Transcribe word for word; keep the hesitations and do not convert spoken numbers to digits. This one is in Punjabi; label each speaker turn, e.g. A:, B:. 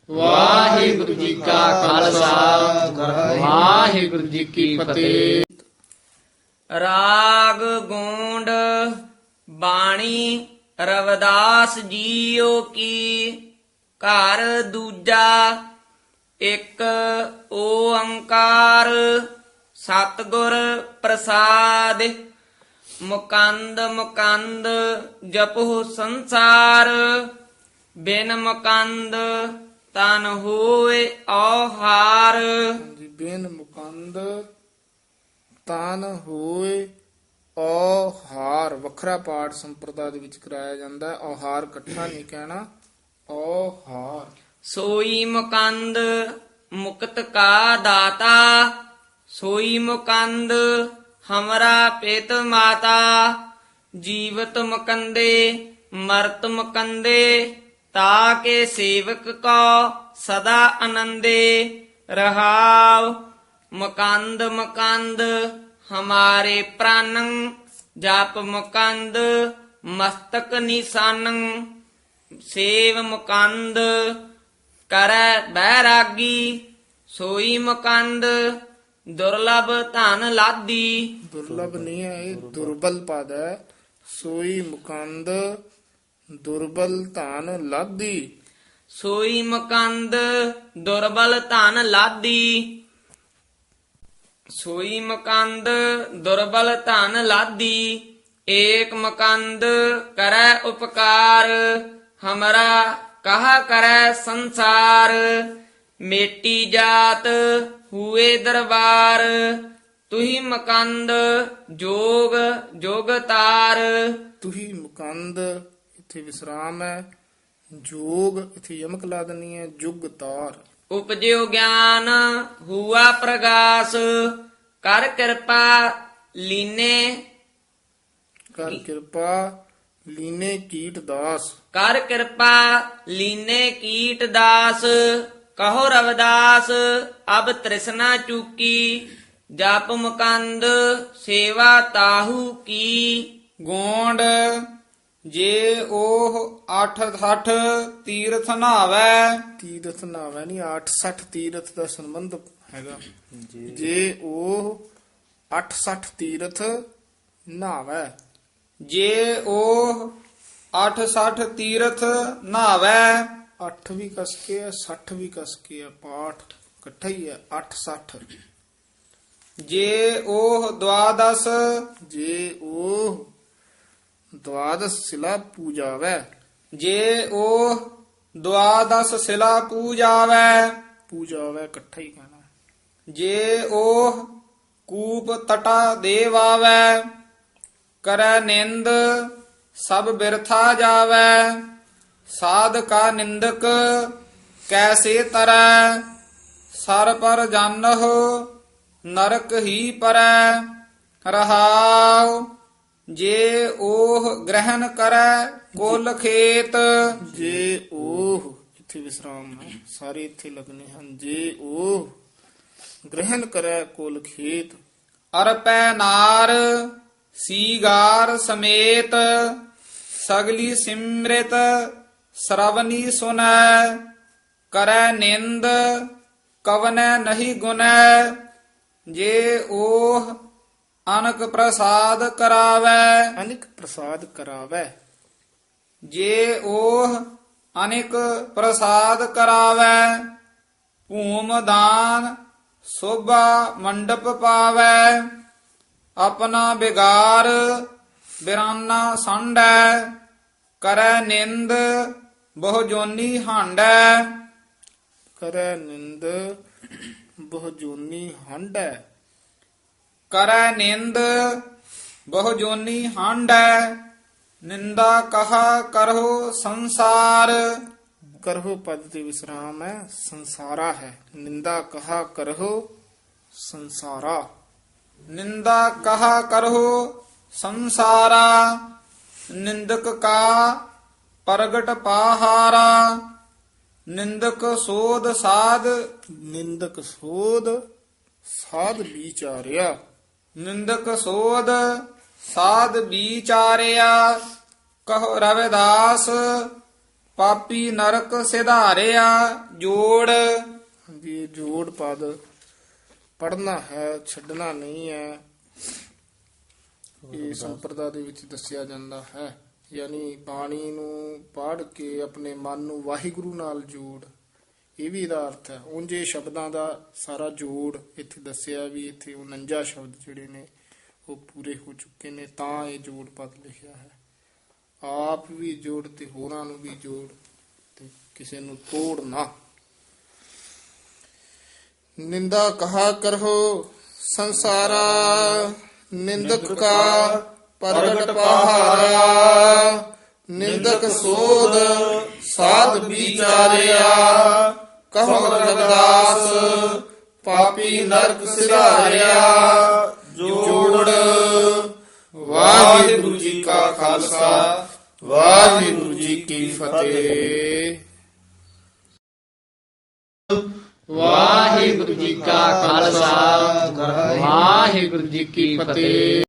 A: ਵਾਹਿਗੁਰੂ ਜੀ ਕਾ ਖਾਲਸਾ ਵਾਹਿਗੁਰੂ ਜੀ ਕੀ ਫਤਿਹ।
B: ਰਾਗ ਗੋਂਡ ਬਾਣੀ ਰਵਿਦਾਸ ਜੀਓ ਕੀ। ਘਰ ਦੂਜਾ ਇੱਕ ਓੰਕਾਰ ਸਤਿਗੁਰ ਪ੍ਰਸਾਦ। ਮੁਕੰਦ ਮੁਕੰਦ ਜਪੋ ਸੰਸਾਰ ਬਿਨ ਮੁਕੰਦ ਤਨ ਹੋਏ ਔਹਾਰ।
C: ਜੀ ਬਿਨ ਮੁਕੰਦ ਤਨ ਹੋਏ ਔਹਾਰ। ਵੱਖਰਾ ਪਾਠ ਸੰਪਰਦਾ ਦੇ ਵਿੱਚ ਕਰਾਇਆ ਜਾਂਦਾ ਹੈ। ਔਹਾਰ ਇਕੱਠਾ ਨਹੀਂ ਕਹਿਣਾ, ਔਹਾਰ।
B: ਸੋਈ ਮੁਕੰਦ ਮੁਕਤ ਕਾ ਦਾਤਾ ਸੋਈ ਮੁਕੰਦ ਹਮਰਾ ਪਿਤ ਮਾਤਾ। ਜੀਵਤ ਮੁਕੰਦੇ ਮਰਤ ਮੁਕੰਦੇ ਤਾਕੇ ਸੇਵਕ ਕੋ ਸਦਾ ਆਨੰਦੇ। ਰਹਾਉ ਮੁਕੰਦ ਮੁਕੰਦ ਹਮਾਰੇ ਪ੍ਰਾਨੰ ਜਪ ਮੁਕੰਦ ਮਸਤਕ ਨਿਸ਼ਾਨੰ। ਸੇਵ ਮੁਕੰਦ ਕਰੈ ਬੈਰਾਗੀ ਸੋਈ ਮੁਕੰਦ ਦੁਰਲਭ ਧਨ ਲਾਦੀ।
C: ਦੁਰਲਭ ਨਹੀਂ ਹੈ, ਇਹ ਦੁਰਬਲ ਪਦ ਹੈ। ਸੋਈ ਮੁਕੰਦ ਦੁਰਬਲ ਧਨ ਲਾਦੀ।
B: ਸੋਈ ਮੁਕੰਦ ਦੁਰਬਲ ਧਨ ਲਾਦੀ। ਸੋਈ ਮੁਕੰਦ ਦੁਰਬਲ ਧਨ ਲਾਦੀ। ਏਕ ਮੁਕੰਦ ਕਰੈ ਉਪਕਾਰ ਹਮਰਾ ਕਹਾ ਕਰੈ ਸੰਸਾਰ। ਮੇਟੀ ਜਾਤ ਹੂਏ ਦਰਬਾਰ ਤੁਹੀ ਮੁਕੰਦ ਜੋਗ ਜੋਗ ਤਾਰ।
C: ਤੁਹੀ ਮੁਕੰਦ ਇੱਥੇ ਵਿਸਰਾਮ ਹੈ। ਜੋਗ ਇੱਥੇ ਯਮਕ ਲਾ ਦੇਣੀ ਹੈ। ਜੁਗ ਤਾਰ।
B: ਉਪਜਿਓ ਗਿਆਨ ਹੁਆ ਪ੍ਰਗਾਸ ਕਰ ਕਿਰਪਾ ਲੀਨੇ।
C: ਕਰ ਕਿਰਪਾ ਲੀਨੇ ਕੀਟ ਦਾਸ।
B: ਕਰ ਕਿਰਪਾ ਲੀਨੇ ਕੀਟ ਦਾਸ। ਕਹੋ ਰਵਿਦਾਸ ਅਬ ਤ੍ਰਿਸ਼ਨਾ ਚੂਕੀ ਜਪ ਮੁਕੰਦ ਸੇਵਾ ਤਾਹੂ ਕੀ।
D: ਗੋਂਡ ਜੇ ਉਹ ਅੱਠ ਸੱਠ ਤੀਰਥ ਨਹਾਵੈ।
C: ਤੀਰਥ ਨਾਵੇਂ ਨਹੀਂ, ਅੱਠ ਸੱਠ ਤੀਰਥ ਦਾ ਸੰਬੰਧ ਹੈਗਾ। ਜੇ ਉਹ ਅੱਠ ਸੱਠ ਤੀਰਥ ਨਹਾਵੈ।
D: ਜੇ ਉਹ ਅੱਠ ਸੱਠ ਤੀਰਥ ਨਹਾਵੈ।
C: ਅੱਠ ਵੀ ਕਸ ਕੇ ਹੈ, ਸੱਠ ਵੀ ਕਸ ਕੇ ਹੈ। ਪਾਠ ਇਕੱਠਾ ਹੀ ਹੈ। ਅੱਠ ਸੱਠ।
D: ਜੇ ਉਹ ਦੁਆਦਸ
C: ਜੇ ਉਹ ਦਵਾਦਸ ਸਿਲਾ ਪੂਜਾਵੈ।
D: ਜੇ ਉਹ ਦੁਆਦਸ ਸਿਲਾ ਪੂਜਾਵੈ।
C: ਪੂਜਾਵੈ ਇਕੱਠਾ ਹੀ ਕਹਿਣਾ।
D: ਜੇ ਉਹ ਕੂਪ ਤਟਾ ਦੇਵਾਵੈ। ਕਰੈ ਨਿੰਦ ਸਭ ਬਿਰਥਾ ਜਾਵੈ। ਸਾਧ ਕਾ ਨਿੰਦਕ ਕੈਸੇ ਤਰੈ। ਸਰ ਪਰ ਜਾਨਹੁ ਨਰਕ ਹੀ ਪਰੈ। ਰਹਾਉ ਜੇ ਉਹ ਗ੍ਰਹਿਣ ਕਰੈ ਕੁਲ ਖੇਤ।
C: ਜੇ ਉਹ ਇੱਥੇ ਵਿਸਰਾਮ ਹੈ। ਸਾਰੇ ਇੱਥੇ ਲੱਗਨੇ ਹਨ। ਜੇ ਉਹ ਗ੍ਰਹਿਣ ਕਰੈ ਕੁਲ ਖੇਤ।
D: ਅਰਪੈ ਨਾਰ ਸੀਗਾਰ ਸਮੇਤ। ਸਗਲੀ ਸਿਮ੍ਰਿਤ ਸਰਵਨੀ ਸੁਨੈ। ਕਰੈ ਨਿੰਦ ਕਵਨੈ ਨਹੀਂ ਗੁਨੈ। ਜੇ ਉਹ ਅਨਕ ਪ੍ਰਸਾਦ ਕਰਾਵੈ।
C: ਅਨਿਕ ਪ੍ਰਸਾਦ ਕਰਾਵੈ।
D: ਜੇ ਉਹ ਅਨਿਕ ਪ੍ਰਸਾਦ ਕਰਾਵੈ। ਭੂਮ ਦਾਨ ਸੋਭਾ ਮੰਡਪ ਪਾਵੈ। ਆਪਣਾ ਬਿਗਾਰ ਬਿਰਾਨਾ ਸੰਡੈ। ਕਰੈ ਨਿੰਦ ਬਹੁ ਜੋਨੀ ਹਾਂਡੈ।
C: ਕਰੈ ਨਿੰਦ ਬਹੁ ਜੋਨੀ ਹੰਡੈ।
D: ਕਰੈ ਨਿੰਦ ਬਹੁ ਜੋਨੀ ਹਾਂਡੈ। ਨਿੰਦਾ ਕਹਾ ਕਰਹੁ ਸੰਸਾਰ।
C: ਕਰਹੁ ਪਦ ਤੇ ਵਿਸਰਾਮ ਹੈ। ਸੰਸਾਰਾ ਹੈ। ਨਿੰਦਾ ਕਹਾ ਕਰਹੁ ਸੰਸਾਰਾ।
D: ਨਿੰਦਾ ਕਹਾ ਕਰਹੁ ਸੰਸਾਰਾ। ਨਿੰਦਕ ਕਾ ਪ੍ਰਗਟ ਪਾਹਾਰਾ। ਨਿੰਦਕ ਸੋਧ ਸਾਧ
C: ਨਿੰਦਕ ਸੋਧ ਸਾਧ ਵਿਚਾਰਿਆ।
D: ਨਿੰਦਕ ਸੋਧ ਸਾਧ ਵਿਚਾਰਿਆ। ਕਹੋ ਰਵਿਦਾਸ ਪਾਪੀ ਨਰਕ ਸਿਧਾਰਿਆ ਜੋੜ।
C: ਹਾਂਜੀ, ਇਹ ਜੋੜ ਪਦ ਪੜਨਾ ਹੈ, ਛੱਡਣਾ ਨਹੀਂ ਹੈ। ਇਹ ਸੰਪਰਦਾ ਦੇ ਵਿੱਚ ਦੱਸਿਆ ਜਾਂਦਾ ਹੈ, ਯਾਨੀ ਬਾਣੀ ਨੂੰ ਪੜ੍ਹ ਕੇ ਆਪਣੇ ਮਨ ਨੂੰ ਵਾਹਿਗੁਰੂ ਨਾਲ ਜੋੜ, ਇਹ ਵੀ ਇਹਦਾ ਅਰਥ ਹੈ। ਉਂਝ ਇਹ ਸ਼ਬਦਾਂ ਦਾ ਸਾਰਾ ਜੋੜ ਇੱਥੇ ਦੱਸਿਆ ਵੀ ਇੱਥੇ ਉਨੰਜਾ ਸ਼ਬਦ ਜਿਹੜੇ ਨੇ ਉਹ ਪੂਰੇ ਹੋ ਚੁੱਕੇ ਨੇ, ਤਾਂ ਇਹ ਜੋੜ ਪਦ ਲਿਖਿਆ ਹੈ। ਆਪ ਵੀ ਜੋੜ ਤੇ ਹੋਰਾਂ ਨੂੰ ਵੀ ਜੋੜ, ਤੇ ਕਿਸੇ ਨੂੰ ਤੋੜ ਨਾ। ਨਿੰਦਾ ਕਹਾ ਕਰਹੁ ਸੰਸਾਰਾ, ਨਿੰਦਕ ਕਾ ਪ੍ਰਗਟ ਪਹਾਰਾ। ਨਿੰਦਕ ਸੋਧ ਸਾਧ ਵਿਚਾਰਿਆ, ਕਹੋ ਰਵਿਦਾਸ ਪਾਪੀ ਨਰਕ ਸਿਧਾਰਿਆ ਜੋੜ। ਵਾਹਿਗੁਰੂ ਜੀ ਕਾ ਖਾਲਸਾ, ਵਾਹਿਗੁਰੂ ਜੀ ਕੀ ਫਤਿਹ।
A: ਵਾਹਿਗੁਰੂ ਜੀ ਕਾ ਖਾਲਸਾ ਵਾਹਿਗੁਰੂ ਜੀ ਕੀ ਫਤਿਹ।